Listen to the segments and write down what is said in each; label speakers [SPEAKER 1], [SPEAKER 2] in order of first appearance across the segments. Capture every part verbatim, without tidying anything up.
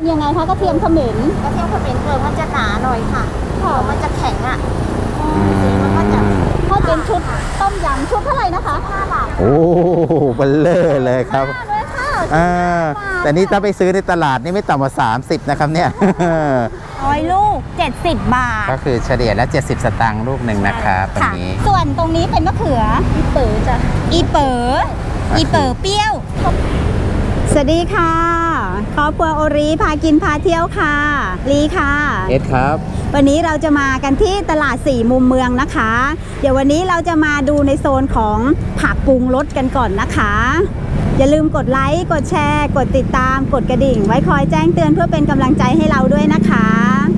[SPEAKER 1] ยังไงคะกระเทียมเขม็น
[SPEAKER 2] กระเทียมเขม็นเปลือกมันจะหนาหน่อยค่ะเปลือกมันจะแข็งอ่ะสีมันก็จะ
[SPEAKER 1] ถ้าเป็นชุดต้มยำชุดเท่าไหร่นะคะ
[SPEAKER 2] ห้าบาท
[SPEAKER 3] โอ้เบลเลอร์เลยครับอ่าแต่นี่ถ้าไปซื้อในตลาดนี่ไม่ต่ำกว่าสามสิบนะครับเนี่ย
[SPEAKER 1] ร้อยลูกเจ็ดสิบบาท
[SPEAKER 3] ก็คือเฉลี่ยแล้วเจ็ดสิบสตางค์ลูกหนึ่งนะครับตรงนี้
[SPEAKER 1] ส่วนตรงนี้เป็นมะเขืออีเป๋อจ้ะอีเป๋ออีเป๋อเปรี้ยวสวัสดีค่ะครอบครัวโอรีพากินพาเที่ยวค่ะลีค่ะ
[SPEAKER 3] เอ็ดครับ
[SPEAKER 1] วันนี้เราจะมากันที่ตลาดสี่มุมเมืองนะคะเดี๋ยววันนี้เราจะมาดูในโซนของผักปรุงรสกันก่อนนะคะอย่าลืมกดไลค์กดแชร์กดติดตามกดกระดิ่งไว้คอยแจ้งเตือนเพื่อเป็นกำลังใจให้เราด้วยนะคะ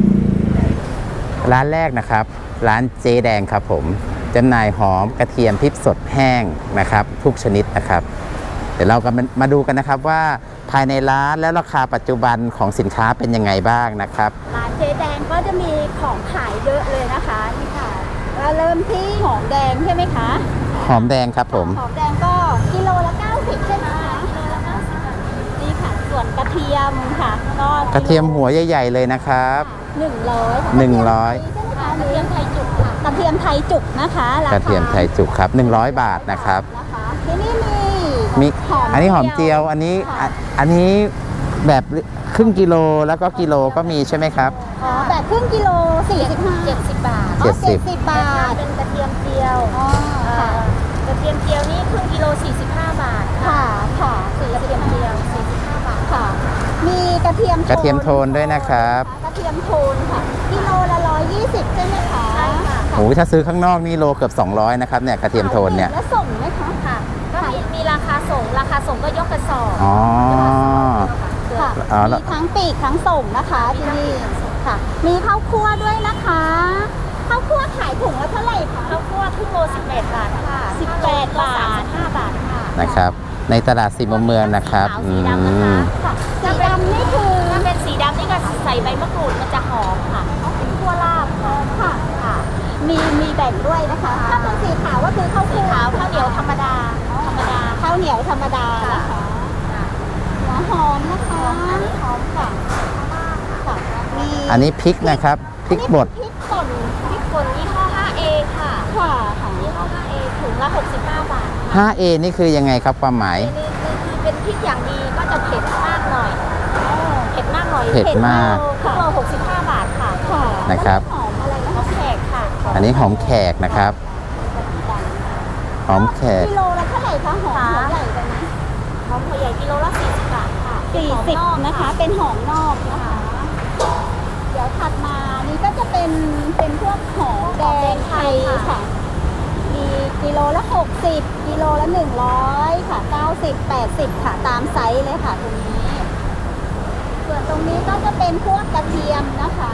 [SPEAKER 3] ร้านแรกนะครับร้านเจ๊แดงครับผมจำหน่ายหอมกระเทียมพริกสดแห้งนะครับทุกชนิดนะครับเดี๋ยวเราก็มาดูกันนะครับว่าภายในร้านและราคาปัจจุบันของสินค้าเป็นยังไงบ้างนะครับ
[SPEAKER 1] ร้านเจ๊แดงก็จะมีของขายเยอะเลยนะคะนี่ค่ะเราเริ่มที่หอมแดงใช่ไหมคะ
[SPEAKER 3] หอมแดงครับผม
[SPEAKER 1] หอมแดงก็กิโลละเก้าสิบใช่ไหมคะกิโลละเก้าสิบนี่ค่ะส่วนกระเทียมค่ะก็
[SPEAKER 3] กระเทียมหัวใหญ่ๆเลยนะครับ
[SPEAKER 1] หนึ่งร้อย
[SPEAKER 3] หนึ่งร้อย
[SPEAKER 1] กระเทียมไทยจุกค่ะกระเทียมไทยจุกนะคะ
[SPEAKER 3] กระเทียมไทยจุกครับหนึ่งร้อยบาทนะครับ
[SPEAKER 1] ที่นี่มี
[SPEAKER 3] มีอันนี้หอมเจียวอันนี้อันนี้แบบครึ่งกิโลแล้วก็กิโลก็มีใช่ไหมครับ
[SPEAKER 1] อ๋อแบบครึ่งกิโลสี่สิบห้าเจ็ดสิบบาท
[SPEAKER 3] เจ็ดสิบบ
[SPEAKER 1] าท
[SPEAKER 2] เป็นกระเทียมเจียว
[SPEAKER 1] อ๋อค่ะ
[SPEAKER 2] กระเทียมเจียวนี่ครึ่งกิโลสี่สิบห้าบาท
[SPEAKER 1] ค่ะค่ะ
[SPEAKER 2] กระเทียมเจียวสี่สิบห้าบาท
[SPEAKER 1] ค่ะมีกระเทียม
[SPEAKER 3] กระเทียมโทนด้วยนะครับ
[SPEAKER 1] กระเทียมโทนค่ะกิโลละร้อยยี่สิบใช่ไหมคะ
[SPEAKER 2] ใช่ค่ะ
[SPEAKER 3] โอ้ถ้าซื้อข้างนอกนี่โลเกือบสองร้อยนะครับเนี่ยกระเทียมโทนเนี่ย
[SPEAKER 1] แล้วส่งไหมคะ
[SPEAKER 2] ค่ะก็มีมีราคาส่งราคาส่งก็ยกกระสอบ
[SPEAKER 3] อ๋อ
[SPEAKER 1] ค่ะมีทั้งปีกทั้งส่งนะคะที่นี่ค่ะมีข้าวคั่วด้วยนะคะข้าวคั่วขายถุงละเท่าไหร่คะ
[SPEAKER 2] ข้าวคั่วครึ่งโลสิบแปดบาทค่ะ
[SPEAKER 1] สิบแปดบาท
[SPEAKER 2] ห้าบาทค่ะ
[SPEAKER 3] นะครับในตลาดสี่มุมเมืองนะครับ
[SPEAKER 2] สีดำนะคะ
[SPEAKER 1] สีดำนี่คือ
[SPEAKER 2] ถ้าเป็นสีดำนี่ก็ใส่ใบมะกรูดมันจะหอมค่ะเป็นคั่วลาบ
[SPEAKER 1] ค่ะค่ะมีมีแบ่งด้วยนะคะถ้าเป็นสีขาวก็คือข้าว
[SPEAKER 2] สีขาวข้าวเหนียวธรรมดาธรรมดา
[SPEAKER 1] ข้าวเหนียวธรรมดานะคะหัวหอมนะคะ
[SPEAKER 2] อันนี้หอมค่ะ
[SPEAKER 3] อันนี้พริกนะครับพริกบด
[SPEAKER 1] พริกป่น
[SPEAKER 2] พริกป่นยี่ห้อ ห้าเอ ค่ะ
[SPEAKER 1] ค่ะ
[SPEAKER 2] ยี่ห้อ ห้าเอ ถุงละหกสิบห้าบาท
[SPEAKER 3] ห้าเอ นี่คือยังไงครับความหมาย
[SPEAKER 2] นี่คือเป็นพริกอย่างดีก็จะเผ็ดมากหน่อยเผ็ดมากหน่อย
[SPEAKER 3] เผ็ดมาก
[SPEAKER 2] ค่ะโลหกสิบห้าบาทค่ะ
[SPEAKER 3] นะครับ
[SPEAKER 1] หอมอะไรนะ
[SPEAKER 2] หอมแขกค่ะ
[SPEAKER 3] อันนี้หอมแขกนะครับหอมแขก
[SPEAKER 1] กิโลละเท่าไหร่คะหอมหัวใหญ่ไปไหม
[SPEAKER 2] หอมหัวใหญ่กิโลละสี่สิบบาทค่ะ
[SPEAKER 1] สี่สิบนะคะเป็นหอมนอกนะคะเดี๋ยวถัดมานี่ก็จะเป็นเป็นพวกหอมแดงไทยค่ะมีกิโลละหกสิบกิโลละหนึ่งร้อยค่ะเก้าสิบแปดสิบค่ะตามไซส์เลยค่ะตรงนี้ส่วนตรงนี้ก็จะเป็นพวกกระเทียมนะคะ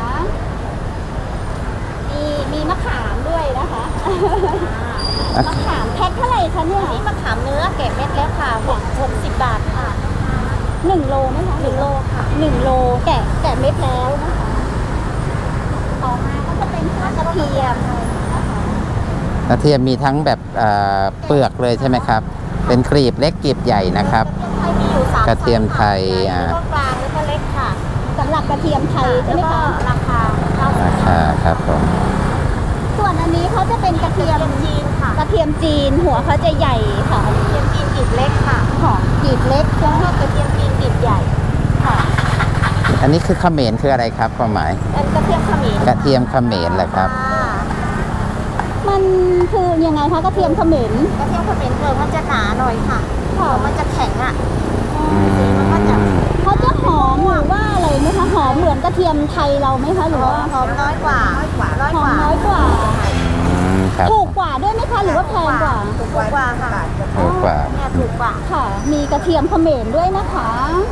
[SPEAKER 1] มีมีมะขามด้วยนะคะมะขามแพ็คเท่าไหร่คะเนี่ย
[SPEAKER 2] นี่มะขามเนื้อแกะเม็ดแล้วค่ะหกสิบบาทค่ะ
[SPEAKER 1] หนึ่งโลไหมคะ
[SPEAKER 2] หนึ่งโลค่ะ
[SPEAKER 1] หนึ่งโลแกะแกะเม็ดแล้วนะคะต่อมาก็จะเป็นพวกกระเทียม
[SPEAKER 3] กระเทียมมีทั้งแบบเปลือกเลยใช่ไหมครับเป็นกรีบเล็กกรีบใหญ่นะครับกระเทียมไทย
[SPEAKER 2] อ่ากลางแล้วก็เล็กค่ะ
[SPEAKER 1] สำหรับกระเทียมไทยใช่ไหมคะ
[SPEAKER 2] ราคา
[SPEAKER 3] ราคาครับผม
[SPEAKER 1] ส่วนอันนี้เขาจะเป็นกระเทียม
[SPEAKER 2] จีนค่ะ
[SPEAKER 1] กระเทียมจีนหัวเขาจะใหญ่ค่ะ
[SPEAKER 2] กระเทียมจีนกรีบเล็กค่ะ
[SPEAKER 1] หอมกรีบเล็ก
[SPEAKER 2] แล้วก็กระเทียมจีนกรีบใหญ่
[SPEAKER 1] ค่ะ
[SPEAKER 3] อันนี้คือเขมรคืออะไรครับความหมาย
[SPEAKER 2] เป็นกระเทียมเขมร
[SPEAKER 3] กระเทียมเขมรแหละครับ
[SPEAKER 1] มันคือยังไงคะกระเทียมเขมร
[SPEAKER 2] กระเทียมเขมรเปลือกมันจะหนาหน่อยค่ะเปลือกมันจะแข็งอ่ะ
[SPEAKER 3] สีมันก็
[SPEAKER 1] จะเขาจะหอมหรือว่าอะไรไหมคะหอมเหมือนกระเทียมไทยเราไหมคะหรือว่า
[SPEAKER 2] หอมน้อยกว่าน้อย
[SPEAKER 1] กว่าหอมน้อยกว่าถูกกว่าด้วยไหมคะหรือว่าแพงกว่า
[SPEAKER 2] ถูกกว่าค่ะ
[SPEAKER 3] ถูกกว่า
[SPEAKER 2] เนี่ยถูกกว่า
[SPEAKER 1] ค่ะมีกระเทียมเขมรด้วยนะคะ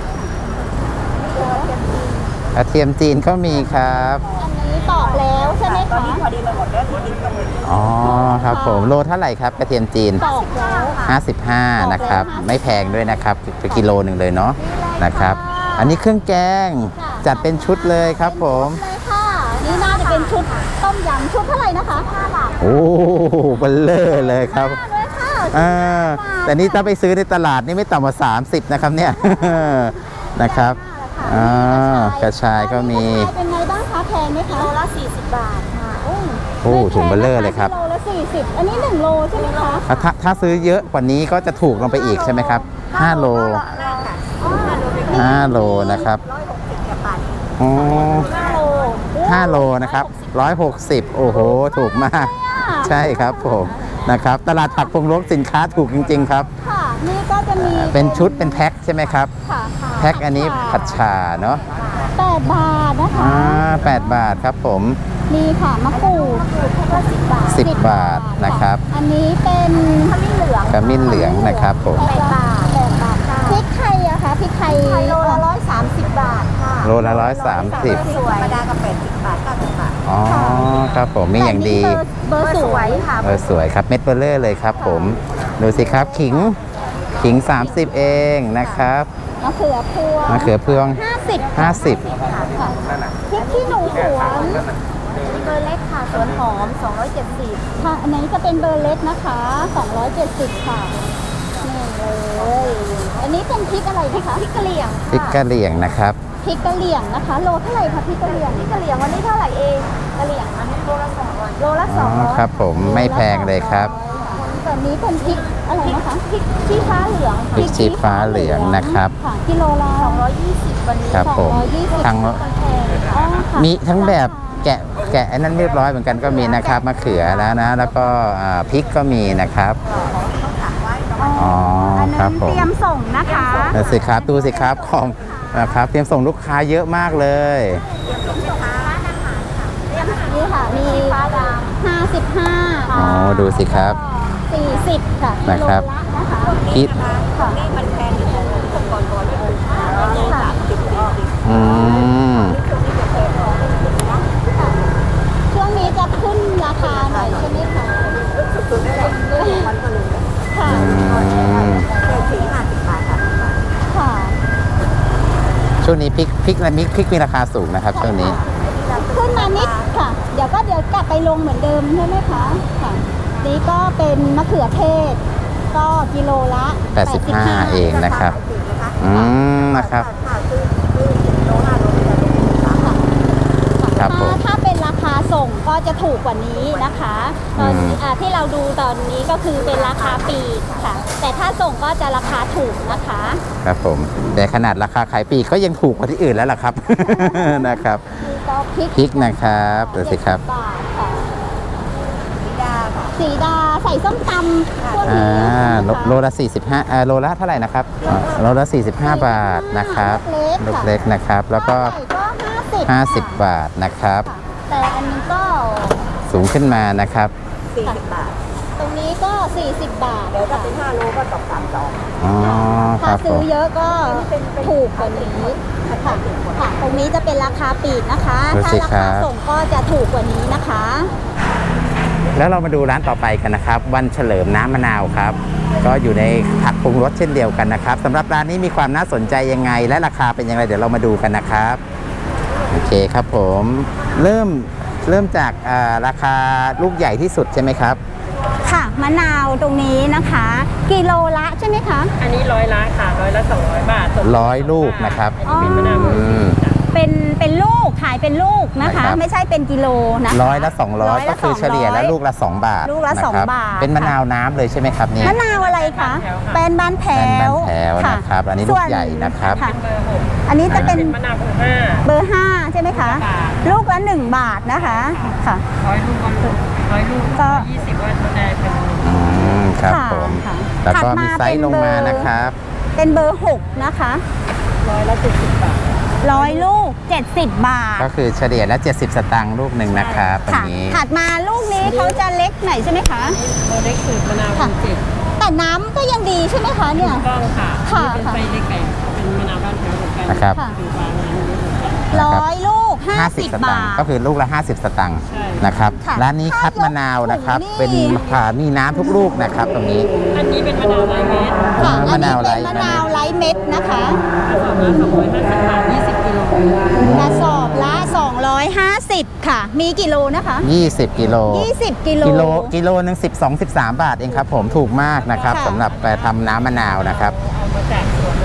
[SPEAKER 3] กระเทียมจีนก็มีครับ
[SPEAKER 1] อันนี้ตอกแล้วใช่ไหมคะ
[SPEAKER 2] พอดีมาหมดแล้วที่ดินก็หมด
[SPEAKER 3] อ๋อครับผมโลเท่าไหร่ครับกระเทียมจีน
[SPEAKER 1] ตอกแล้ว
[SPEAKER 3] ห้าสิบห้านะครับไม่แพงด้วยนะครับกิโลหนึ่งเลยเนาะนะครับอันนี้เครื่องแกงจัดเป็นชุดเลยครับผม
[SPEAKER 1] เลยค่ะนี่น่าจะเป็นชุดต้มยำชุดเท่าไหร่นะคะห้าบาท
[SPEAKER 3] โอ้เบลเลอร์เลยครับอ่าแต่นี่ถ้าไปซื้อในตลาดนี่ไม่ต่ำกว่าสามสิบนะครับเนี่ยนะครับ
[SPEAKER 1] ร
[SPEAKER 2] ค่ะ
[SPEAKER 3] อ่ากระชายก็มี
[SPEAKER 1] กระชายเป็นไงบ้างคะแพงไหม
[SPEAKER 2] กิ
[SPEAKER 1] คะ
[SPEAKER 2] โลละสี่สิบบาทค่ะ
[SPEAKER 1] โอ้
[SPEAKER 3] โอ้ถุงเบลเลอร์เลยครับ
[SPEAKER 1] กิโลละสี่สิบอันนี้หนึ่งโลใช่ไหมคะ
[SPEAKER 3] ถ้าถ้าถ้าซื้อเยอะกว่านี้ก็จะถูกลงไปอีกใช่ไหมครับห้าโล ห้าโลนะครับ
[SPEAKER 2] ร้อยหกสิบกว่าบาท
[SPEAKER 3] อ๋อ
[SPEAKER 2] ห้าโล
[SPEAKER 3] ห้าโลนะครับร้อยหกสิบโอ้โห ถูกมาก ใช่ครับผมนะครับ ตลาดผักพงรกสินค้าถูกจริง ๆ ครับ
[SPEAKER 1] ค่ะนี่ก็จะมี
[SPEAKER 3] เป็นชุดเป็นแพ็คใช่ไหมครับ
[SPEAKER 1] ค่ะ
[SPEAKER 3] แพ็คอันนี้ผัดฉ่าเนาะ
[SPEAKER 1] แปดบาทนะคะ
[SPEAKER 3] อ่าแปดบาทครับผม
[SPEAKER 1] มีค่ะมะกรูด
[SPEAKER 2] ก็สิบบาท
[SPEAKER 3] สิบบาทนะครับ
[SPEAKER 1] อันนี้เป็น
[SPEAKER 2] ขมิ้นเหลือง
[SPEAKER 3] ขมิ้นเหลืองนะครับผม
[SPEAKER 2] แปดบาทแปดบาทค่ะ
[SPEAKER 1] พริกไทยอะคะพริกไทย
[SPEAKER 2] ไทยโลละร้อยสามสิบบาทค่ะ
[SPEAKER 3] โลละร้อยสามสิบ
[SPEAKER 2] สวยธรรมดากับแปดสิบบาทเก้าสิบบาท
[SPEAKER 3] อ๋อครับผมมีอย่างดี
[SPEAKER 1] เบอร์เบอร์สวย
[SPEAKER 2] ค่ะ
[SPEAKER 3] เออสวยครับเม็ดเบลเลอร์เลยครับผมดูสิครับขิงขิง สามสิบ เองนะครับ
[SPEAKER 1] มะเขือพวง
[SPEAKER 3] มะเขือพวง
[SPEAKER 1] ห้าสิบ
[SPEAKER 3] ห้าสิบ
[SPEAKER 1] ค่ะพริกขี้หนูสวน
[SPEAKER 2] เบอร์เล็กค่ะสวนหอมสองร้อยเจ็ดสิบ
[SPEAKER 1] ค่ะอันนี้จะเป็นเบอร์เล็กนะคะสองร้อยเจ็ดสิบค่ะนี่เลยอันนี้เป็นพริกอะไรนะคะพริกกะเหรี่ยง
[SPEAKER 3] พริกกะเหรี่ยงนะครับ
[SPEAKER 1] พริกกะเหรี่ยงนะคะ โลเท่าไหร่คะพริกกะเหรี่ยง
[SPEAKER 2] นี่กะเหรี่ยงวันนี้เท่าไหร่เองกะเหรี่ยงอันนี้โลละสองร้อยโลละส
[SPEAKER 3] อ๋
[SPEAKER 2] อ
[SPEAKER 3] อง
[SPEAKER 2] ร้อย
[SPEAKER 3] ครับผมไม่แพงเลยครับ
[SPEAKER 1] ส่วนนี้เป็นพริกอะไรนะคะพริกชี้ฟ้าเหลือง
[SPEAKER 3] พริกชี้ฟ้าเหลืองนะครับ
[SPEAKER 1] ค่ะกิโลละ
[SPEAKER 2] สองร้อยยี่สิบวันนี้
[SPEAKER 3] ครับผม
[SPEAKER 1] สองร้อยยี่สิบ
[SPEAKER 3] ทั้ง
[SPEAKER 2] มันแพง
[SPEAKER 1] อ๋อค่ะ
[SPEAKER 3] มีทั้งแบบแกะแกะอันนั้นเรียบร้อยเหมือนกันก็มีนะครับมะเขือแล้วนะ แล้วก็อ่าพริกก็มีนะครับ อ๋อ
[SPEAKER 1] อัน
[SPEAKER 3] ครั
[SPEAKER 1] นั้
[SPEAKER 3] บ
[SPEAKER 1] น
[SPEAKER 3] ผม
[SPEAKER 1] เตรียมส่งนะคะ
[SPEAKER 3] ดูสิครับดูสิครับของนะครับเตรียมส่งลูกค้าเยอะมากเลย
[SPEAKER 1] นี่ค่ะมีห้าสิบห้า
[SPEAKER 3] อ๋อดูสิครับ
[SPEAKER 1] สี่สิบค่ะ
[SPEAKER 3] นะครับ
[SPEAKER 1] กิโลละนะคะ
[SPEAKER 3] คิด
[SPEAKER 1] ค่ะ
[SPEAKER 2] นี่มันแพงอยู่ก่อนก่อนด้วย
[SPEAKER 1] ค่ะ
[SPEAKER 3] อืม
[SPEAKER 1] ช่วงนี้จะขึ้นราคาหน่อยใช่ไหมคะค่ะ
[SPEAKER 3] อืม
[SPEAKER 2] เศรษฐีห้าสิบบาทค่ะ
[SPEAKER 1] ค่ะ
[SPEAKER 3] ช่วงนี้พริกพริกและมิกพริกมีราคาสูงนะครับช่วงนี้
[SPEAKER 1] ขึ้นมานิดค่ะ เดี๋ยวก็เดี๋ยวกลับไปลงเหมือนเดิมใช่ไหมคะค่ะนี่ก็เป็นมะเขือเทศ ก็กิโลละ
[SPEAKER 3] แปดสิบห้า เองนะครับ อืมนะครับ
[SPEAKER 2] ถ้าซื้อซื้อสิบโลห้าโลจะได้สามบาท
[SPEAKER 3] ครับผม
[SPEAKER 1] ถ้าถ้าเป็นราคาส่งก็จะถูกกว่านี้นะคะ ตอนนี้
[SPEAKER 3] อืม
[SPEAKER 1] อ่าที่เราดูตอนนี้ก็คือเป็นราคาปลีกค่ะ แต่ถ้าส่งก็จะราคาถูกนะคะ
[SPEAKER 3] ครับผม แต่ขนาดราคาขายปลีกก็ยังถูกกว่าที่อื่นแล้วล่ะครับ นะครับ
[SPEAKER 1] มีก็พริก
[SPEAKER 3] พริกนะครับดูสิครับ
[SPEAKER 1] เจ็ดบาทค่ะ
[SPEAKER 2] สีดาค่ะ
[SPEAKER 1] สีดาใส่ส้มตำพวก
[SPEAKER 3] อ่า
[SPEAKER 1] นี้
[SPEAKER 3] โลโลละ45อ่าโลละเท่าไหร่นะครับอ่าโลละ45 บาทนะครับลูกเล็กนะครับ แล้วก็
[SPEAKER 1] ไก่ก็ห้าสิบ
[SPEAKER 3] 50 บาทนะครับ
[SPEAKER 1] ค่ะแต่อันนี้ก็
[SPEAKER 3] สูงขึ้นมานะครับ
[SPEAKER 2] สี่สิบบาท
[SPEAKER 1] ตรงนี้ก็ สี่สิบบาท
[SPEAKER 2] เดี๋ยวถ้าเป็นห้าโลก็ตกสามสอง
[SPEAKER 3] อ๋อค
[SPEAKER 1] ถ้า
[SPEAKER 3] รับผ
[SPEAKER 1] ซื้อ
[SPEAKER 3] ม
[SPEAKER 1] เยอะก็ถูกกว่านี้ค่ะค่ะ ตรงนี้จะเป็นราคาปลีกนะคะ
[SPEAKER 3] ดู
[SPEAKER 1] ถ้า
[SPEAKER 3] สิ
[SPEAKER 1] รา
[SPEAKER 3] ครั
[SPEAKER 1] คา
[SPEAKER 3] บ
[SPEAKER 1] ส่งก็จะถูกกว่านี้นะคะ
[SPEAKER 3] แล้วเรามาดูร้านต่อไปกันนะครับ วันเฉลิมน้ำมะนาวครับ ก็อยู่ในผักปรุงรสเช่นเดียวกันนะครับสำหรับร้านนี้มีความน่าสนใจยังไง และราคาเป็นยังไงเดี๋ยวเรามาดูกันนะครับโอเคครับผมเริ่มเริ่มจากอ่าราคาลูกใหญ่ที่สุดใช่ไหมครับ
[SPEAKER 1] ค่ะมะนาวตรงนี้นะคะ กิโลละใช่ไหมคะ
[SPEAKER 4] อันนี้ร้อยละค่ะร้อยละสองร้อยบาทส่ง
[SPEAKER 3] ร้อยลูกนะครับ
[SPEAKER 4] อันนี้เป็นมะนาว
[SPEAKER 3] อืม
[SPEAKER 1] เป็นเป็นลูกขายเป็นลูกนะคะ
[SPEAKER 3] นะครับ
[SPEAKER 1] ไม่ใช่เป็นกิโลนะคะ
[SPEAKER 3] ร้อยละสองร้อย
[SPEAKER 1] ละ
[SPEAKER 3] ก็คือเฉลี่ยแล้วลูกละสองบาท
[SPEAKER 1] ลูกละ
[SPEAKER 3] นค
[SPEAKER 1] สอง
[SPEAKER 3] รับบ
[SPEAKER 1] าท
[SPEAKER 3] เป็นมะนาวน้ำเลยใช่ไหมครับเนี่ย
[SPEAKER 1] มะนาวอะไรคะเป็นบ้านแถ
[SPEAKER 3] เป็นบ้าน
[SPEAKER 1] ว
[SPEAKER 3] แถวนะครับอันนี้ลูกใหญ่นะครับ
[SPEAKER 1] ค่ะ
[SPEAKER 4] เบอร์หก
[SPEAKER 1] อันนี้จะเป็น
[SPEAKER 4] เป็นมะนาวเบอร์ห้า
[SPEAKER 1] เบอร์ห้าใช่ไหมคะ
[SPEAKER 4] บาท
[SPEAKER 1] ลูกละหนึ่งบาทนะคะค่ะ
[SPEAKER 4] ร้อยลูกก็ร้อยลูก
[SPEAKER 1] ก็
[SPEAKER 4] ยี่สิบว่าจะได้เป็น
[SPEAKER 3] อืมครับ
[SPEAKER 1] ค่ะ
[SPEAKER 3] ผม
[SPEAKER 1] ค่ะ
[SPEAKER 3] แล้วก็
[SPEAKER 1] ถัดมา
[SPEAKER 3] มีไซส์ลงมา
[SPEAKER 1] เป็นเบอร์
[SPEAKER 3] นะครับ
[SPEAKER 1] เป็นเบอร์หกนะคะ
[SPEAKER 4] ร้อยละเจ็ดสิบบาท
[SPEAKER 1] ร้อยลูกเจ็ดสิบบาท
[SPEAKER 3] ก็คือเฉลี่ยแล้วเจ็ดสิบสตางค์ลูกหนึ่งนะครับตรง
[SPEAKER 1] ค่ะ
[SPEAKER 3] นี้
[SPEAKER 1] ถัดมาลูกนี้เขาจะเล็กหน่อยใช่ไหมคะ
[SPEAKER 4] โมเด็กสูตรมะนาว
[SPEAKER 1] ค่ะ
[SPEAKER 4] เจ็ด
[SPEAKER 1] แต่น้ำก็ยังดีใช่ไหมคะเนี่ย
[SPEAKER 4] กล้องค่ะ
[SPEAKER 1] ค่ะ
[SPEAKER 4] นี่เป็นไฟเล็กไก่เป็นมะนาวบ้านแถวเหมือนกัน
[SPEAKER 3] นะครับ
[SPEAKER 1] ค่ะ
[SPEAKER 4] อยู่บางร้านนี้เหมือนกัน
[SPEAKER 1] ร้อยลูกห้าสิบ
[SPEAKER 3] สตา
[SPEAKER 1] บาง
[SPEAKER 3] ค์
[SPEAKER 1] ท
[SPEAKER 3] ก็คือลูกละห้าสิบสตางค์
[SPEAKER 4] ใช่
[SPEAKER 3] นะครับ
[SPEAKER 1] ค่ะ
[SPEAKER 3] ร้านนี้คัดมะนาวนะครับ
[SPEAKER 1] นี่
[SPEAKER 3] เป็นผ่ามีน้ำทุกลูกนะครับตรงนี้
[SPEAKER 4] อันนี้เป็นมะนาวไร้เม็ด
[SPEAKER 1] ค่ะ
[SPEAKER 3] อ่า
[SPEAKER 1] อันนี้
[SPEAKER 3] มะนาวไร้
[SPEAKER 1] เป็นมะนาวไร้เม็ดนะคะ
[SPEAKER 4] กระสอบละสองร้อยห้าสิบบาทยี่สิบกิโล
[SPEAKER 1] กระสอบละสองร้อยห้าสิบค่ะ มีกี่โลนะคะ
[SPEAKER 3] ยี่สิบกิโล
[SPEAKER 1] ยี่สิบกิโล
[SPEAKER 3] กิโลกิโลหนึ่งสิบสอง สิบสามบาทเองครับผมถูกมากนะครับ
[SPEAKER 1] ค่ะ
[SPEAKER 3] สำหรับไปทำน้ำมะนาวนะครับ
[SPEAKER 4] เอามาจากสวนเลย